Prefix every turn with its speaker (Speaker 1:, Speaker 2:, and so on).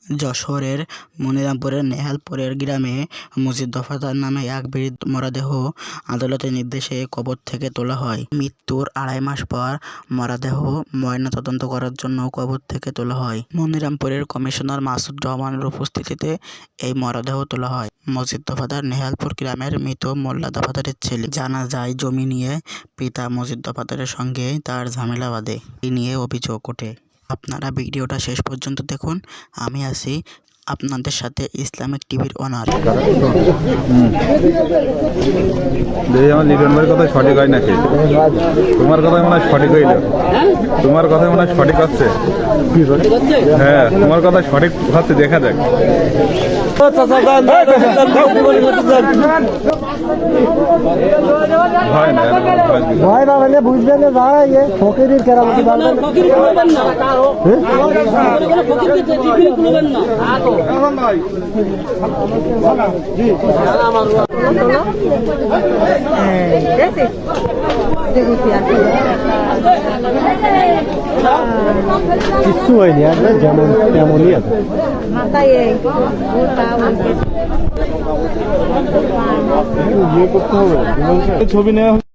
Speaker 1: যশোরের মনিরামপুরের নেহালপুরের গ্রামে মজিদ দফাদার নামে এক বৃদ্ধ মরদেহ আদালতের নির্দেশে কবর থেকে তোলা হয়। মৃত্যুর ২.৫ মাস পর মরদেহ ময়নাতদন্ত করার জন্য কবর থেকে তোলা হয়। মনিরামপুরের কমিশনার মাসুদ রহমানের উপস্থিতিতে এই মরদেহ তোলা হয়। মজিদ দফাদার নেহালপুর গ্রামের মৃত মোল্লা দফাদারের ছেলে। জানা যায়, জমি নিয়ে পিতা মজিদ দফাদারের সঙ্গে তার ঝামেলা বাধে। এই নিয়ে অভিযোগ ওঠে। আপনারা ভিডিওটা শেষ পর্যন্ত দেখুন। আমি আছি আপনাদের সাথে ইসলামিক টিভির ওনার।
Speaker 2: আমার লিটন ভাইয়ের কথা সঠিক হয় নাকি? তোমার কথাই মনে হয় সঠিক হইল। তোমার কথাই মনে হয় সঠিক হচ্ছে। হ্যাঁ, তোমার কথা সঠিক হচ্ছে, দেখা যাক।
Speaker 3: ভয় না মানে বুঝবেন না, যারা ইয়ে ফকিরের কেরামতি পারবেন না। কিচ্ছু হয়নি, যেমন তেমনই আছে। ছবি নেওয়া